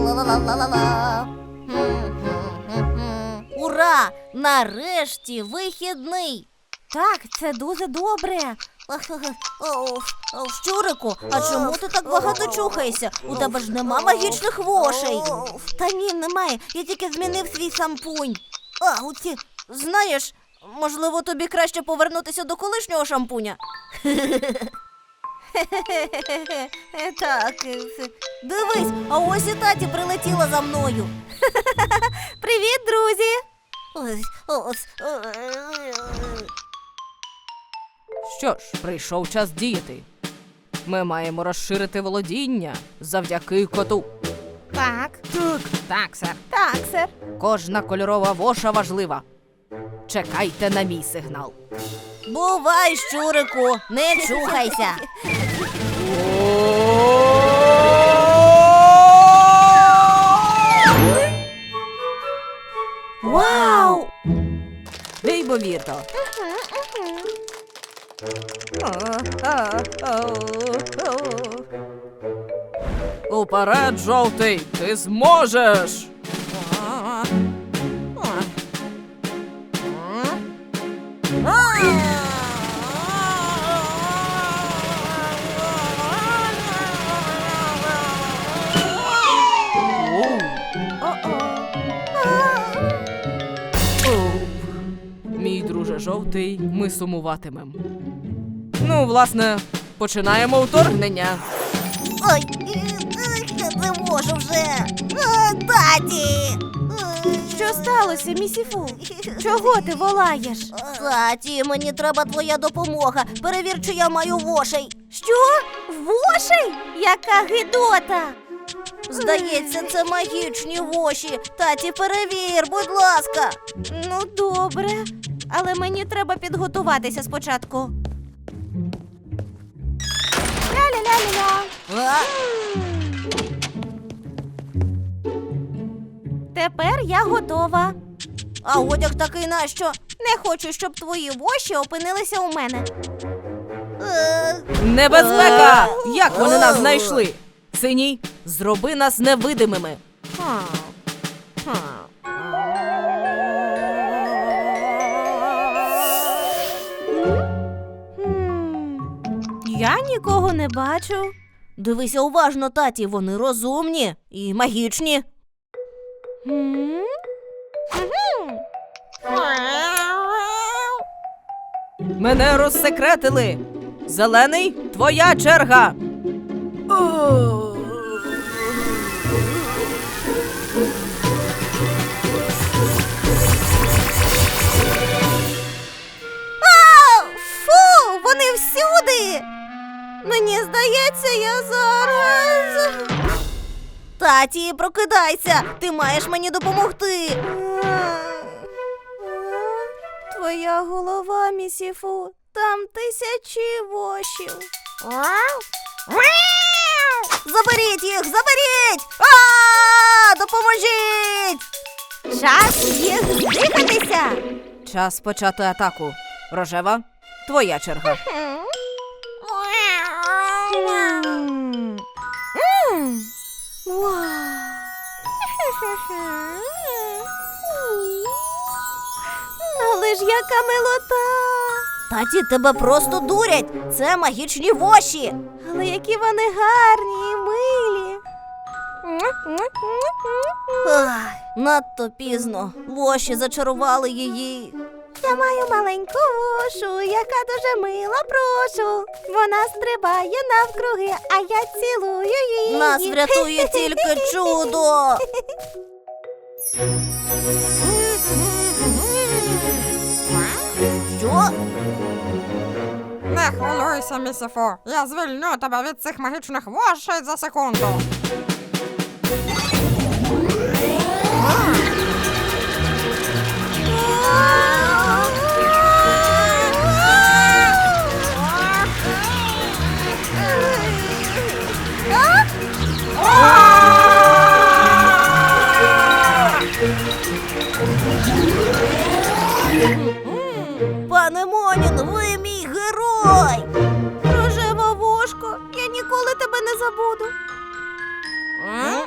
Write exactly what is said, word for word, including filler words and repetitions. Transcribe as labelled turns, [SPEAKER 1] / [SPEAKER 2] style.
[SPEAKER 1] Ла-ла-ла-ла-ла-ла. Ура! Нарешті вихідний!
[SPEAKER 2] Так, це дуже добре.
[SPEAKER 1] Щурику, а чому ти так багато чухаєшся? У тебе ж нема магічних вошей.
[SPEAKER 2] Та ні, немає. Я тільки змінив свій шампунь.
[SPEAKER 1] А, оці, знаєш, можливо, тобі краще повернутися до колишнього шампуня?
[SPEAKER 2] Так.
[SPEAKER 1] Дивись, а ось і таті прилетіла за мною.
[SPEAKER 2] Привіт, друзі!
[SPEAKER 1] Ось, ось.
[SPEAKER 3] Що ж, прийшов час діяти. Ми маємо розширити володіння завдяки коту.
[SPEAKER 2] Так.
[SPEAKER 3] Так, так, сер.
[SPEAKER 2] Так, сер.
[SPEAKER 3] Кожна кольорова воша важлива. Чекайте на мій сигнал.
[SPEAKER 1] Бувай, щурику, не чухайся.
[SPEAKER 2] Вау!
[SPEAKER 3] Неймовірно. Уперед, жовтий, ти зможеш! Мій друже жовтий, ми сумуватимем. Ну, власне, починаємо вторгнення.
[SPEAKER 1] Ой, я не можу вже. А, таті!
[SPEAKER 2] Що сталося, місіфу? Чого ти волаєш?
[SPEAKER 1] Таті, мені треба твоя допомога. Перевір, чи я маю вошей.
[SPEAKER 2] Що? Вошей? Яка гидота!
[SPEAKER 1] Здається, це магічні воші. Таті, перевір, будь ласка.
[SPEAKER 2] Ну, добре. Але мені треба підготуватися спочатку. Ля-ля-ля-ля-ля.
[SPEAKER 1] А?
[SPEAKER 2] Тепер я готова.
[SPEAKER 1] А одяг такий нащо?
[SPEAKER 2] Не хочу, щоб твої воші опинилися у мене.
[SPEAKER 1] Е,
[SPEAKER 3] Небезпека! Як вони нас знайшли? Синій, зроби нас невидимими.
[SPEAKER 2] Хм, Я нікого не бачу.
[SPEAKER 1] Дивися уважно, таті, вони розумні і магічні.
[SPEAKER 2] М?
[SPEAKER 3] Мене розсекретили. Зелений, твоя черга.
[SPEAKER 2] А, фу, вони всюди. Мені здається, я зараз...
[SPEAKER 1] Таті, прокидайся, ти маєш мені допомогти.
[SPEAKER 2] Твоя голова, місіфу, там тисячі вошів.
[SPEAKER 1] Заберіть їх, заберіть! А, допоможіть!
[SPEAKER 2] Час їх здихатися.
[SPEAKER 3] Час почати атаку. Рожева, твоя черга.
[SPEAKER 2] М. М. Вау. Але ж яка милота!
[SPEAKER 1] Таті, тебе просто дурять. Це магічні воші.
[SPEAKER 2] Але які вони гарні і милі.
[SPEAKER 1] Ах, надто пізно. Воші зачарували її.
[SPEAKER 2] Я маю маленьку вошу, яка дуже мила, прошу. Вона стрибає навкруги, а я цілую її.
[SPEAKER 1] Нас врятує тільки чудо. Що?
[SPEAKER 4] Не хвилюйся, місіфу. Я звільню тебе від цих магічних вошей за секунду.
[SPEAKER 1] Пане Монін, ви мій герой!
[SPEAKER 2] Рожева вошко, я ніколи тебе не забуду.
[SPEAKER 1] М?